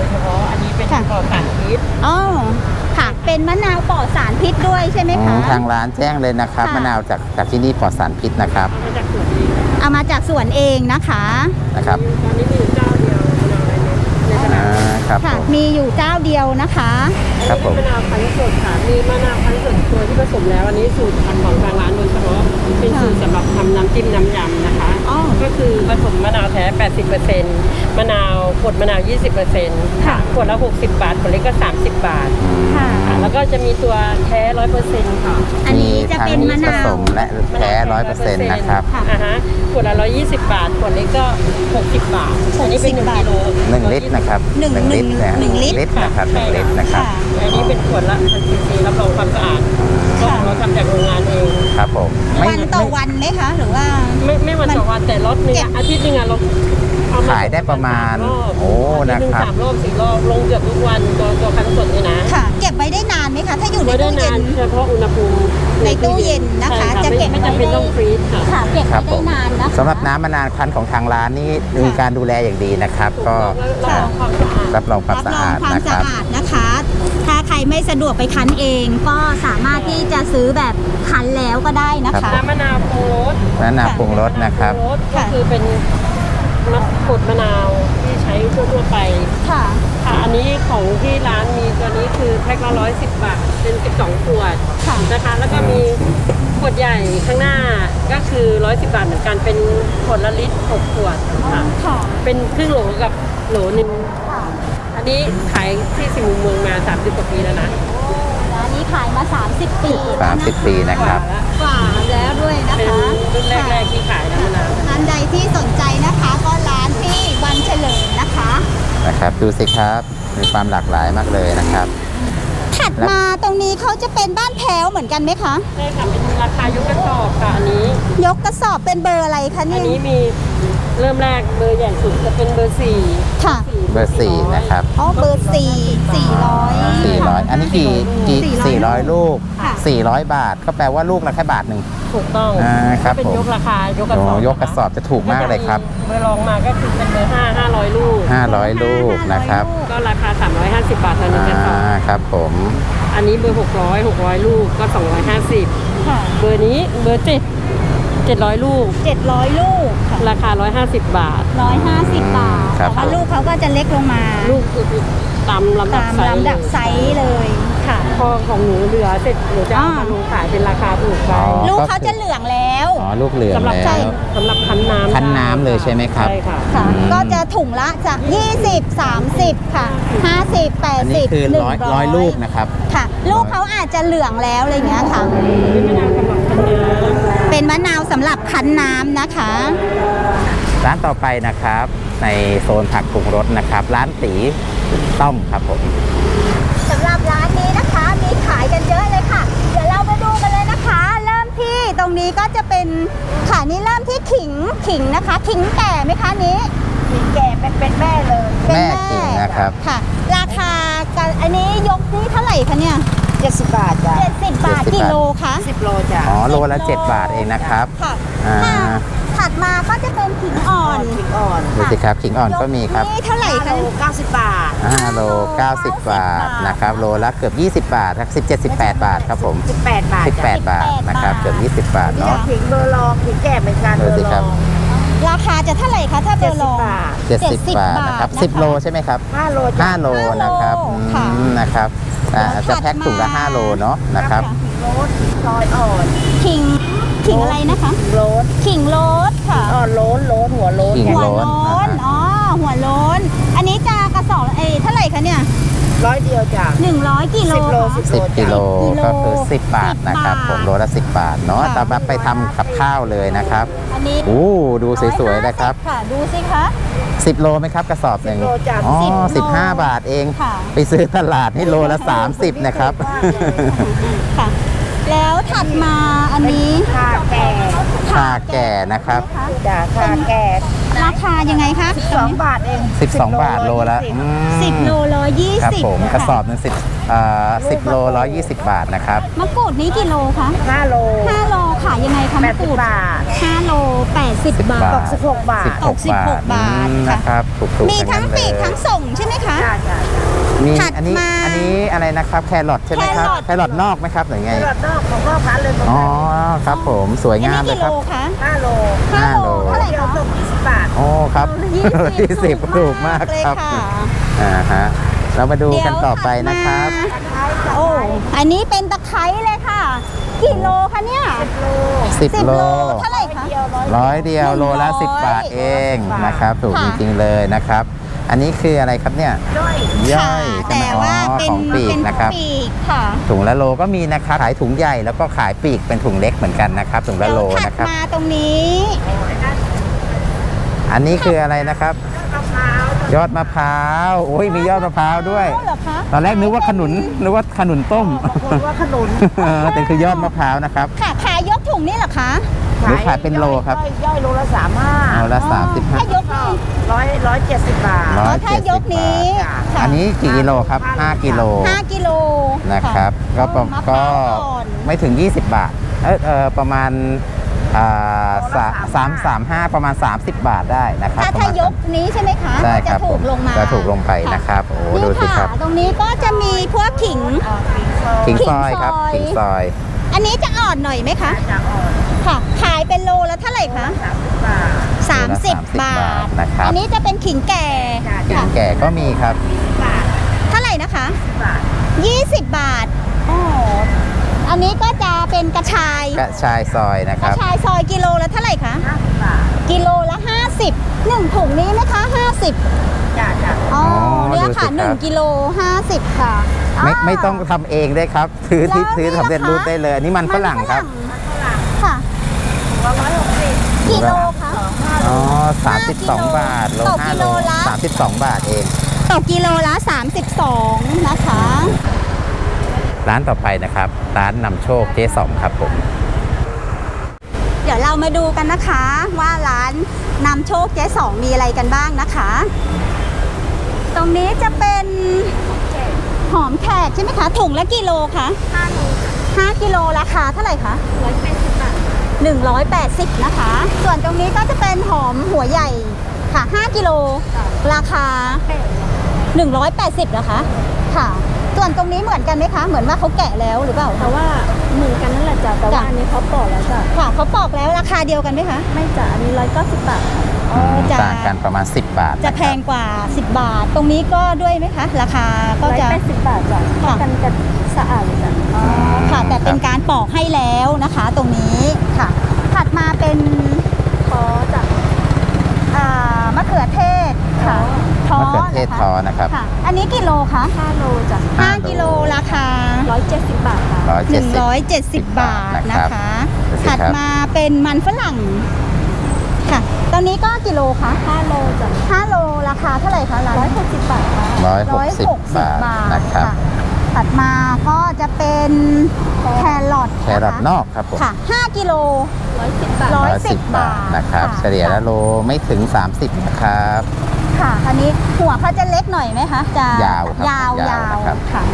[SPEAKER 4] ยเฉพาะ อันนี้เป็น
[SPEAKER 1] ค่ะ
[SPEAKER 4] ปลอดสารพิษ
[SPEAKER 1] อ๋อค่ะเป็นมะนาวปลอดสารพิษด้วยใช่ไหม
[SPEAKER 3] อื
[SPEAKER 1] คะ
[SPEAKER 3] มทางร้านแจ้งเลยนะครับ
[SPEAKER 1] ค่ะ
[SPEAKER 3] มะนาวจากจากที่นี่ปลอดสารพิษนะครับ
[SPEAKER 4] มาจากสวนเอง
[SPEAKER 1] เอามาจากสวนเองนะคะ
[SPEAKER 3] นะครับ
[SPEAKER 4] ตอนนี้มีอยู่เจ้าเดียวมะนาวไรเม็ดในตลา
[SPEAKER 3] อ่า
[SPEAKER 4] ด
[SPEAKER 3] ครับ
[SPEAKER 1] ค่ะ
[SPEAKER 3] ผม
[SPEAKER 1] มีอยู่เจ้าเดียวนะคะ
[SPEAKER 3] ครับผม
[SPEAKER 4] มะนาวคั้นสดค่ะ มีมะนาวคั้นสดตัวที่ผสมแล้ว อันนี้สูตรพันธุ์ของทางร้านโดยเฉพาะ เป็นสูตรสำหรับทำน้ำจิ้มน้ำยำนะคะ
[SPEAKER 1] อ๋อ
[SPEAKER 4] ก็คือผสมมะนาวแท้ แปดสิบเปอร์เซ็นต์ มะนาวขวดมะนาว ยี่สิบเปอร์เซ็นต์
[SPEAKER 1] ค่ะ
[SPEAKER 4] ขวดละ หกสิบบาท ขวดเล็กก็ สามสิบบาท
[SPEAKER 1] ค่ะ
[SPEAKER 4] ค่ะแล้วก็จะมีตัวแท้ ร้อยเปอร์เซ็นต์ ค่ะ
[SPEAKER 1] อันนี้จะเป็นมะ
[SPEAKER 3] ผ
[SPEAKER 1] นา
[SPEAKER 3] ส
[SPEAKER 1] ว
[SPEAKER 3] มและแท้ร้อยเปอร์เซ็นต์นะครับ
[SPEAKER 1] ค่ะ
[SPEAKER 4] อ่าฮะขวดละร้อยยี่สิบบาท ขวดเล็กก็หกสิบบาท อันนี้เป็นหนึ่งกิโล
[SPEAKER 3] หนึ่งลิตรนะครับ
[SPEAKER 1] หนึ่ง
[SPEAKER 3] ลิตรนะ
[SPEAKER 1] หนึ่งลิตร
[SPEAKER 3] ลิตรนะครับหนึ่งลิตรนะครับ
[SPEAKER 1] ค่ะ
[SPEAKER 4] อันนี้เป็นขวดละพันซีซีรับรองความสะอาดก็
[SPEAKER 1] ค่ะ
[SPEAKER 4] เราทำจากโรงงานเอง
[SPEAKER 3] ครับผมไม่
[SPEAKER 1] วันต่อวันไหมคะ หรือว่า
[SPEAKER 4] ไม่ไม่วันต่อวันแต่รถหนึงอะอาทิตย์หนึงอะเราเอาม
[SPEAKER 3] ขายได้ประมาณ
[SPEAKER 4] สรอบ
[SPEAKER 3] โอ้
[SPEAKER 4] อาทิตย์หง
[SPEAKER 3] นะครับ
[SPEAKER 4] สามรอบสี่รอบลงเกือบทุกวันตัวตัวคันสดนี่นะ
[SPEAKER 1] ค่ะ เก็บไว้ได้นานไหมคะ ถ้าอยู่ใน
[SPEAKER 4] ไม่ได้
[SPEAKER 1] ตู้เย็
[SPEAKER 4] นาน
[SPEAKER 1] น
[SPEAKER 4] เฉพาะอุณหภูมิ
[SPEAKER 1] ในตู้เย็นนะคะ
[SPEAKER 4] ใช่
[SPEAKER 1] จะเก็บ
[SPEAKER 4] ไม่
[SPEAKER 1] ไว้
[SPEAKER 4] จำเป็น
[SPEAKER 1] ได้
[SPEAKER 4] ต้องฟรีซค่ะ
[SPEAKER 1] ค่ะ เก็บ
[SPEAKER 3] ครั
[SPEAKER 1] ไว้
[SPEAKER 3] บผ
[SPEAKER 1] ได้
[SPEAKER 3] ม
[SPEAKER 1] นานนะคะ
[SPEAKER 3] สำหรับน้ำมะนาวคั้นของทางร้านนี่มีการดูแลอย่างดีนะครับ ก็
[SPEAKER 4] แล้วรับรองความสะอาด
[SPEAKER 3] รับรองความ
[SPEAKER 1] รับ
[SPEAKER 3] สะ
[SPEAKER 1] รอง
[SPEAKER 3] อาด
[SPEAKER 1] ความ
[SPEAKER 3] นะค
[SPEAKER 1] สะ
[SPEAKER 3] รับ
[SPEAKER 1] อาดนะคะ ถ้าใครไม่สะดวกไปคั้นเอง ก็สามารถที่จะซื้อแบบคั้นแล้วก็ได้นะ
[SPEAKER 3] ครั
[SPEAKER 1] คะ
[SPEAKER 3] บ
[SPEAKER 4] น้ำมะนาวปรุงรส
[SPEAKER 3] มะนาวปรุงรสนะครับ
[SPEAKER 4] มะาวปงรสก็คือเป็นมะกรูดมะนาวที่ใช้ทั่วๆไป
[SPEAKER 1] ค่ะ
[SPEAKER 4] ค่ะ อันนี้ของที่ร้านมีตัวนี้คือแพ็คละร้อยสิบบาท เป็นสิบสองขวด
[SPEAKER 1] ค่ะ
[SPEAKER 4] นะคะ แล้วก็มีขวดใหญ่ข้างหน้าก็คือร้อยสิบบาทเหมือนกัน เป็นขวดละลิตรหกขวดค่ะ
[SPEAKER 1] ค่ะ
[SPEAKER 4] เป็นครึ่งโหลกับโหลหนึ่ง
[SPEAKER 1] ค่ะ
[SPEAKER 4] อันนี้ขายที่สิมุมเมืองมาสามสิบกว่าปีแล้วนะ
[SPEAKER 1] ร้านนี้ขายมา สามสิบ ปี
[SPEAKER 3] สามสิบปีนะครับ
[SPEAKER 1] กว่าแล้วด้วยนะ
[SPEAKER 4] เป็น
[SPEAKER 1] คะ
[SPEAKER 4] รุ่นแรกๆที่ขายน้ำมะนาว
[SPEAKER 1] ร้านใดที่สนใจนะคะ ก็ร้านที่วันเฉลิมนะคะ
[SPEAKER 3] นะครับ ดูสิครับ มีความหลากหลายมากเลยนะครับ
[SPEAKER 1] ถัดมาตรงนี้เขาจะเป็นบ้านแพ้วเหมือนกันไหมคะ
[SPEAKER 4] ใช่ค่ะเป็นราคายกกระสอบค่ะอันนี้
[SPEAKER 1] ยกกระสอบเป็นเบอร์อะไรคะ
[SPEAKER 4] อั
[SPEAKER 1] เนี่
[SPEAKER 4] น
[SPEAKER 1] ย
[SPEAKER 4] นี้มีเริ่มแรกเบอร์ใหญ่สุดจะเป็นเบอร์สี่
[SPEAKER 1] ค่ะ
[SPEAKER 3] เบอร์สี่นะครับ
[SPEAKER 1] อ๋อเบอร์สี่สี่ร้อย
[SPEAKER 3] สี่ร้อยอันนี้กี่กี่
[SPEAKER 1] สี่
[SPEAKER 3] สี่
[SPEAKER 1] ร้
[SPEAKER 3] ร้
[SPEAKER 1] อ
[SPEAKER 3] อย ยลูก
[SPEAKER 1] ค่ะ
[SPEAKER 3] สี่ร้อยบาท ก็แปลว่าลูกละแค่บาทหนึ่ง
[SPEAKER 4] ถูกต้อง
[SPEAKER 3] อ่าครับ
[SPEAKER 4] เป็น
[SPEAKER 3] ผม
[SPEAKER 4] ยกราคายกกระสอบ
[SPEAKER 3] โอ้ยกกระสอบจะถูกมากเลยครับ
[SPEAKER 4] เบอร์รองมาก็คือเป็นเบอร์ห้าห้าร้อยลูก
[SPEAKER 3] ห้าร้อยลูกนะครับ
[SPEAKER 4] ก็ราคาสามร้อยห้าสิบบาทต่อหนึ่งกระสอบ
[SPEAKER 3] อ่าครับผม
[SPEAKER 4] อันนี้เบอร์หกร้อยหกร้อยลูกก็สองร้อยห้าสิบ
[SPEAKER 1] ค่ะ
[SPEAKER 4] เบอร์นี้เบอร์เจ็ดเจ็ดร้อยลูก
[SPEAKER 1] เจ็ดร้อยลูกค่ะ
[SPEAKER 4] ราคาร้อยห้าสิบบาท
[SPEAKER 1] ร้อยห้าสิบบาท
[SPEAKER 3] ครับ
[SPEAKER 1] แต่ว่า
[SPEAKER 3] ผม
[SPEAKER 1] ลูกเขาก็จะเล็กลงมา
[SPEAKER 4] ลูกคือตามลำดับ
[SPEAKER 1] ตาม
[SPEAKER 4] ไซส์
[SPEAKER 1] ลำดับไซส์เลยค่ะ
[SPEAKER 4] พอของหนูเหลือเสร็จหนูจะเอา
[SPEAKER 1] อ่าม
[SPEAKER 4] มาลงขายเป็นราคาถูกไป
[SPEAKER 3] อ๋อ
[SPEAKER 1] ลูกเขาจะเหลืองแล้ว
[SPEAKER 3] อ๋อ ลูกเหลือง
[SPEAKER 4] สำหรับ
[SPEAKER 3] แล้
[SPEAKER 4] ใช่
[SPEAKER 3] ว
[SPEAKER 4] สำหรับคั้นน้ำ
[SPEAKER 3] คั้นน้ำเลยใช่ไหมครับ
[SPEAKER 4] ใช่ค่ะ
[SPEAKER 1] ค่ะ
[SPEAKER 3] อืม
[SPEAKER 1] ก็จะถุงละจากยี่สิบ สามสิบค่ะ ห้าสิบ แปด
[SPEAKER 3] อัน
[SPEAKER 1] สิ
[SPEAKER 3] นี้
[SPEAKER 1] บ
[SPEAKER 3] คือ
[SPEAKER 1] หนึ่ง
[SPEAKER 3] ร้อย
[SPEAKER 1] ร้
[SPEAKER 3] ร้
[SPEAKER 1] อ
[SPEAKER 3] อย ยลูกนะครับ
[SPEAKER 1] ค่ะ ลูกเขาอาจจะเหลืองแล้วอะไรอย่างเงี้ยค่ะ
[SPEAKER 4] เป็นมะนาวสำหรับคั้นน้ำ
[SPEAKER 1] เป็นมะนาวสำหรับคั้นน้ำนะคะ
[SPEAKER 3] ร้านต่อไปนะครับ ในโซนผักปรุงรสนะครับ ร้านตีต้อมครับผม
[SPEAKER 1] สำหรับร้านนี้นะคะมีขายกันเยอะเลยค่ะ เดี๋ยวเรามาดูกันเลยนะคะ เริ่มที่ตรงนี้ก็จะเป็นค่ะนี่เริ่มที่ขิงขิงนะคะ ขิงแก่ไหมคะนี้ขิงแก่เป็นเป็นแม่เลยเป็น
[SPEAKER 3] แม่ขิงนะครับ
[SPEAKER 1] ค่ะ ราคากันอันนี้ยกนี่เท่าไหร่คะเนี่ย
[SPEAKER 2] เจ็ดสิบบาทจ้ะ
[SPEAKER 1] เจ็ดสิบบาท
[SPEAKER 3] เจ็ดสิบบาท
[SPEAKER 1] กิโลคะ
[SPEAKER 2] สิบโลจ้ะ
[SPEAKER 3] อ๋อ โลละเจ็ดบาทเองนะครับ
[SPEAKER 1] ค่ะ
[SPEAKER 3] อ่า
[SPEAKER 1] ค่ะถัดมาก็จะเป็นขิงอ่อน
[SPEAKER 2] ขิงอ่อน
[SPEAKER 3] ดูสิครับขิงอ่อนก็มีครับ
[SPEAKER 1] นี่เท่าไหร่
[SPEAKER 2] ห้า
[SPEAKER 1] คะ
[SPEAKER 2] โลเก้าสิบบาท
[SPEAKER 3] ห้าโลเก้าสิบบาทนะครับ โลละเกือบยี่สิบบาทครับสิบเจ็ด สิบแปดบาทครับผม
[SPEAKER 2] สิบแปดบาท
[SPEAKER 3] สิบแป
[SPEAKER 2] จ้ะ
[SPEAKER 3] ดบาทนะครับ เกือบยี่สิบบาท
[SPEAKER 2] นี่
[SPEAKER 3] เนาะ
[SPEAKER 2] ขิงเบอร์ลองขิงแก่เหมือนกัน
[SPEAKER 3] ดู
[SPEAKER 2] เบอ
[SPEAKER 3] สิ
[SPEAKER 2] ร์
[SPEAKER 3] ค
[SPEAKER 2] ล
[SPEAKER 3] รับ
[SPEAKER 2] อง
[SPEAKER 1] ราคาจะเท่าไหร่คะถ้าเบ
[SPEAKER 2] เจ็
[SPEAKER 1] อ
[SPEAKER 2] ด
[SPEAKER 1] ร์
[SPEAKER 2] สิ
[SPEAKER 1] ล
[SPEAKER 2] บ
[SPEAKER 1] อง
[SPEAKER 2] บาท
[SPEAKER 3] เจ็ดสิบบาทนะครับสิบโลใช่ไหมครับ
[SPEAKER 2] ห้าโลจ้ะ
[SPEAKER 3] ห้าโลนะครับ
[SPEAKER 1] ค่ะ
[SPEAKER 3] อืมนะครับอ่าจะแพ็คถุงละห้าโลเนาะนะครับ
[SPEAKER 2] ขิงโรสซอยอ่อน
[SPEAKER 1] ขิงขิงอะไรนะคะ
[SPEAKER 2] ขิงโรส
[SPEAKER 1] ขิงโรสค่ะ
[SPEAKER 2] อ่อนโรสโรสหัวโรส
[SPEAKER 3] ขิง
[SPEAKER 1] หัว
[SPEAKER 3] โล้
[SPEAKER 1] โล้น
[SPEAKER 3] น
[SPEAKER 1] อ๋อ หัวโล้น อันนี้จะกระสอบเอยเท่าไหร่คะเนี่ย
[SPEAKER 2] ร้อยเดียวจ้ะ
[SPEAKER 1] หนึ่งร้อยกิโล
[SPEAKER 2] สิบโล
[SPEAKER 1] ค่ะ
[SPEAKER 3] สิบกิโล
[SPEAKER 1] สิบกิโล
[SPEAKER 3] ก็คือสิบบาทนะครับ
[SPEAKER 1] สิบบาท
[SPEAKER 3] ผมโลละสิบบาทเนาะ
[SPEAKER 1] ค่ะ
[SPEAKER 3] แต่แบบไปทำกับข้าวเลยนะครับ
[SPEAKER 1] อันนี้
[SPEAKER 3] โอ้ดูสวยๆนะครับ
[SPEAKER 1] ค่ะ ดูสิคะ
[SPEAKER 3] สิบโลไหมครับกระสอบหนึ่ง
[SPEAKER 2] สิบโลจ้ะ
[SPEAKER 3] อ๋อ
[SPEAKER 1] สิบโล
[SPEAKER 3] สิบห้าบาทเอง
[SPEAKER 1] ค่ะ
[SPEAKER 3] ไปซื้อตลาดนี่โลละสามสิบนะครับ
[SPEAKER 1] ค่ะ แล้วถัดมาอันนี้
[SPEAKER 2] ข่าแก่
[SPEAKER 3] ชาแก่นะครับ
[SPEAKER 2] จ้ะข่าแก่
[SPEAKER 1] ราคายังไงคะ
[SPEAKER 2] สองบาทเอง
[SPEAKER 3] สิบสองบาทโลละอืม
[SPEAKER 1] สิบโลร้อยยี่
[SPEAKER 3] ครับ
[SPEAKER 1] สิบ
[SPEAKER 3] ผมกระสอบหนึงสิบเอ่อสิบโลร้อยยี่สิบบาทนะครับ
[SPEAKER 1] มะกรูดนี้กี่โลคะ
[SPEAKER 2] ห้าโล
[SPEAKER 1] ห้าโลขายยังไงคะ
[SPEAKER 2] แป
[SPEAKER 1] มะ
[SPEAKER 2] ด
[SPEAKER 1] ก
[SPEAKER 2] สิ
[SPEAKER 1] รู
[SPEAKER 2] บ
[SPEAKER 1] ด
[SPEAKER 2] บาท
[SPEAKER 1] ห้าโลแปดสิบบาท
[SPEAKER 2] ตกสิบหกบาท
[SPEAKER 3] สิบหก
[SPEAKER 1] สิบบ
[SPEAKER 3] า
[SPEAKER 1] ห
[SPEAKER 3] ท
[SPEAKER 1] กบาท
[SPEAKER 3] อืม
[SPEAKER 1] ค่ะ
[SPEAKER 3] นะครับถูกๆ
[SPEAKER 1] มีทั้ง
[SPEAKER 3] นั้น
[SPEAKER 1] ปีก
[SPEAKER 3] เลย
[SPEAKER 1] ทั้งส่งใช่ไหมคะ
[SPEAKER 2] จ้าจ้า
[SPEAKER 3] มี
[SPEAKER 1] ถัด
[SPEAKER 3] อันนี้
[SPEAKER 1] มา
[SPEAKER 3] อันนี้อะไรนะครับแครอทใช่ไหมครับ
[SPEAKER 1] แครอท
[SPEAKER 3] แครอทนอกไหมครับหรือไง
[SPEAKER 2] ตลาดนอกของนอกร้านเลย
[SPEAKER 3] อ๋อครับผมสวย
[SPEAKER 1] อัน
[SPEAKER 3] งาม
[SPEAKER 1] นี้
[SPEAKER 3] เลย
[SPEAKER 1] กี่
[SPEAKER 3] ค
[SPEAKER 1] โล
[SPEAKER 3] รับ
[SPEAKER 1] คะ
[SPEAKER 2] ห้าโล
[SPEAKER 1] ห้า
[SPEAKER 3] ห้า
[SPEAKER 1] โล
[SPEAKER 3] โล
[SPEAKER 1] เท่าไหร่
[SPEAKER 2] เดียว
[SPEAKER 1] คะ
[SPEAKER 2] ตกยี่สิบบาท
[SPEAKER 3] โอ้ครับ
[SPEAKER 1] ยี่สิบ
[SPEAKER 3] ถูกมาก
[SPEAKER 1] เลย
[SPEAKER 3] ครับ
[SPEAKER 1] ค่ะ
[SPEAKER 3] อ่าฮะเรามาดูกันต่อไปนะครับ
[SPEAKER 1] โอ้อันนี้เป็นตะไคร้เลยค่ะกี่โลคะเนี่ย
[SPEAKER 3] สิบ
[SPEAKER 1] สิบ
[SPEAKER 3] โล
[SPEAKER 1] โลเท่าไหร่คะ
[SPEAKER 3] ร้อยเดียวโลละ
[SPEAKER 1] หนึ่งร้อย
[SPEAKER 3] สิบบาทเองนะครับ ถูก
[SPEAKER 1] ค่ะ
[SPEAKER 3] จริงๆเลยนะครับ อันนี้คืออะไรครับเนี่ย
[SPEAKER 2] ด้วย
[SPEAKER 3] ย่
[SPEAKER 1] ค่ะ
[SPEAKER 3] อยใช่ไหม
[SPEAKER 1] แต่
[SPEAKER 3] อ๋อ
[SPEAKER 1] ว่าเป็น
[SPEAKER 3] ของปีก
[SPEAKER 1] เป็น
[SPEAKER 3] นะครับ
[SPEAKER 1] ปีกค่ะ
[SPEAKER 3] ถุงละโลก็มีนะครับขายถุงใหญ่แล้วก็ขายปีกเป็นถุงเล็กเหมือนกันนะครับถุงละโล
[SPEAKER 1] เดี๋ยวถัด
[SPEAKER 3] นะครับ
[SPEAKER 1] มาตรงนี้
[SPEAKER 3] อันนี้คืออะไรนะครับ ยอดมะพร้าวโอ้ยมียอดมะพร้าวด้วย
[SPEAKER 1] เหรอคะ
[SPEAKER 3] ตอนแรกนึกว่าขนุนนึกว่าขนุนต้ม
[SPEAKER 2] คนว่าขนุน
[SPEAKER 3] เออแต่คือยอดมะพร้าวนะครับ
[SPEAKER 1] ค่ะขายยกถุงนี่เหรอคะ
[SPEAKER 3] หรือขายเป็นโลครับ
[SPEAKER 2] ย่อยย่อยโลละสามห้า
[SPEAKER 3] เอาละสามสิบห้า
[SPEAKER 1] ถ้ายกนี่
[SPEAKER 2] ร้อยร้อยเจ็ดสิบบาท
[SPEAKER 3] ร้
[SPEAKER 1] อ๋
[SPEAKER 3] อ
[SPEAKER 1] อย ถ้ายกนี้
[SPEAKER 2] จ้ะ
[SPEAKER 1] ค่ะ
[SPEAKER 3] อันนี้กี่กิโลครับห้ากิโล
[SPEAKER 1] ห้ากิโล
[SPEAKER 3] นะครับ ก็ประ
[SPEAKER 1] มะพ
[SPEAKER 3] ก็
[SPEAKER 1] ร้าวอ่อน
[SPEAKER 3] ไม่ถึง ยี่สิบบาท เออเออประมาณอ่าสาสามสามห้าประมาณ สามสิบบาทได้นะครับ
[SPEAKER 1] ถ้า
[SPEAKER 3] ประ
[SPEAKER 1] ถ้า
[SPEAKER 3] มาณ
[SPEAKER 1] ยกนี้ใช่ไหมคะ
[SPEAKER 3] ใช่ครับ
[SPEAKER 1] จะถูกลงมา
[SPEAKER 3] จะถูกลงไปนะครับโอ้
[SPEAKER 1] นี่
[SPEAKER 3] ดูสิครับ
[SPEAKER 1] ตรงนี้ก็จะมีพวกขิง
[SPEAKER 3] ขิงซอยครับ
[SPEAKER 1] ขิ
[SPEAKER 3] ขิ
[SPEAKER 1] ง
[SPEAKER 3] ง
[SPEAKER 1] ซ
[SPEAKER 3] ซ
[SPEAKER 1] อ
[SPEAKER 3] อย ย
[SPEAKER 1] อันนี้จะอ่อนหน่อยไหมคะ
[SPEAKER 2] จะอ่อน
[SPEAKER 1] ค่ะ ขายเป็นโลแล้วเท่าไหร่คะ
[SPEAKER 2] สามสิบบาท
[SPEAKER 1] สามสิบบาท
[SPEAKER 3] นะครับ
[SPEAKER 1] อันนี้จะเป็นขิงแก่
[SPEAKER 3] ขิง
[SPEAKER 1] ค่ะ
[SPEAKER 3] แก่ก็มีครับ
[SPEAKER 2] บาท
[SPEAKER 1] เท่าไหร่นะคะ
[SPEAKER 2] บาท
[SPEAKER 1] ยี่สิบบาทอ๋ออันนี้ก็จะเป็นกระชาย
[SPEAKER 3] กระชายซอยนะค
[SPEAKER 1] กระ
[SPEAKER 3] รับ
[SPEAKER 1] ชายซอยกิโลละเท่าไหร่คะ
[SPEAKER 2] ห้าสิบบาท
[SPEAKER 1] กิโลละห้าสิบหนึ่งถุงนี้ไหมคะห้าสิบ
[SPEAKER 2] จ้าจ้า
[SPEAKER 1] อ๋อ
[SPEAKER 3] อ
[SPEAKER 1] เนี่ย
[SPEAKER 3] ดู
[SPEAKER 1] ค่ะ
[SPEAKER 3] สิครับ
[SPEAKER 1] หนึ่งกิโลห้าสิบค่ะ
[SPEAKER 3] ไม่
[SPEAKER 1] า
[SPEAKER 3] ไม่ต้องทำเองได้ครับซื้อที่
[SPEAKER 1] แล้ว
[SPEAKER 3] ซื้อ
[SPEAKER 1] นี่
[SPEAKER 3] สำเร็จ
[SPEAKER 1] นะคะ
[SPEAKER 3] รูปได้เลยอันนี้มันฝรั่งครับ
[SPEAKER 2] มันฝรั่ง
[SPEAKER 1] ค่ะ
[SPEAKER 2] ร้อยหกสิบ
[SPEAKER 1] กิโลคะ
[SPEAKER 3] อ๋อสามสิบสองบาทโล
[SPEAKER 1] ต่อ
[SPEAKER 3] ห้า
[SPEAKER 1] กิ
[SPEAKER 3] โล
[SPEAKER 1] โลละ
[SPEAKER 3] สามสิบสองบาทเอง
[SPEAKER 1] ตกกิโลละสามสิบสองนะคะ
[SPEAKER 3] ร้านต่อไปนะครับ ร้านนำโชคเจ๊สองครับผม
[SPEAKER 1] เดี๋ยวเรามาดูกันนะคะ ว่าร้านนำโชคเจ๊สองมีอะไรกันบ้างนะคะ ตรงนี้จะเป็นหอมแขกใช่ไหมคะถุงละกิโลคะห้ากิโลราคาเท่าไหร่คะร้อยแปดสิบบาทหนึ่งร้อยแปดสิบนะคะ ส่วนตรงนี้ก็จะเป็นหอมหัวใหญ่ค่ะห้ากิโลราคาหนึ่งร้อยแปดสิบนะคะค่ะ ส่วนตรงนี้เหมือนกันไหมคะ เหมือนว่าเขาแกะแล้วหรือเปล่า
[SPEAKER 5] แต่ว่าเหมือนกันนั่นแหละจ้ะแต่ว่าอันนี้เขาปอกแล้วจ้ะ
[SPEAKER 1] ค่ะเขาปอกแล้วราคาเดียวกันไหมคะ
[SPEAKER 5] ไม่จ้ะอันนี้ร้อยเก้าสิบบาทค่ะ
[SPEAKER 1] อ๋อจะ
[SPEAKER 3] ต่างกันประมาณ สิบบาท
[SPEAKER 1] จะแพงกว่าสิบบาท ตรงนี้ก็ด้วยไหมคะ ราคาก็
[SPEAKER 5] ร้อย
[SPEAKER 1] จะ
[SPEAKER 5] แปดสิบบาทจ้ะเท่ากันกับสะอาดเลยจ้ะ
[SPEAKER 1] อ๋อค่ะ แต่เป็นการปอกให้แล้วนะคะ ตรงนี้ค่ะ ถัดมาเป็น
[SPEAKER 5] ขอจ้ะ
[SPEAKER 1] อ่ามะเขือเทศค่ะท้อ
[SPEAKER 3] มะเขือเทศ
[SPEAKER 1] นะคะ
[SPEAKER 3] ทอนะครับ
[SPEAKER 1] ค่ะ อันนี้กิโลคะ
[SPEAKER 5] ห้าโลจ้ะ
[SPEAKER 1] ห้ากิโลราคา
[SPEAKER 5] ร้อยเจ็ดสิบบาทค่ะ
[SPEAKER 3] ร้อย
[SPEAKER 1] ห
[SPEAKER 3] เจ็ด
[SPEAKER 1] นึ่ง
[SPEAKER 3] สิบ
[SPEAKER 1] ร้อยเจ็ดสิบบาทนะคะ
[SPEAKER 3] ดูสิ
[SPEAKER 1] ถัด
[SPEAKER 3] ครับ
[SPEAKER 1] มาเป็นมันฝรั่งค่ะ ตอนนี้ก็กิโลคะ
[SPEAKER 5] ห้าโลจ้ะ
[SPEAKER 1] ห้าโลราคาเท่าไหร่คะร้าน
[SPEAKER 5] ร้อยหกสิบบาทค่ะ
[SPEAKER 3] ร้อยหกสิบบาทนะครับ
[SPEAKER 1] ถัดมาก็จะเป็นแครอท
[SPEAKER 3] แครอทนอกครับผม
[SPEAKER 1] ค่ะห้ากิโล
[SPEAKER 5] ร้อยสิบบาท
[SPEAKER 1] ร้อย
[SPEAKER 3] ร้อยสิบบาทนะครับ
[SPEAKER 1] ค่ะ
[SPEAKER 3] เฉลี่ยละโลไม่ถึง สามสิบนะครับ
[SPEAKER 1] ค่ะอันนี้หัวเขาจะเล็กหน่อยไหมคะจะ
[SPEAKER 3] ยาวครับ
[SPEAKER 1] ยาวย
[SPEAKER 3] าว
[SPEAKER 1] ยาว
[SPEAKER 3] นะครับ
[SPEAKER 1] ค่ะ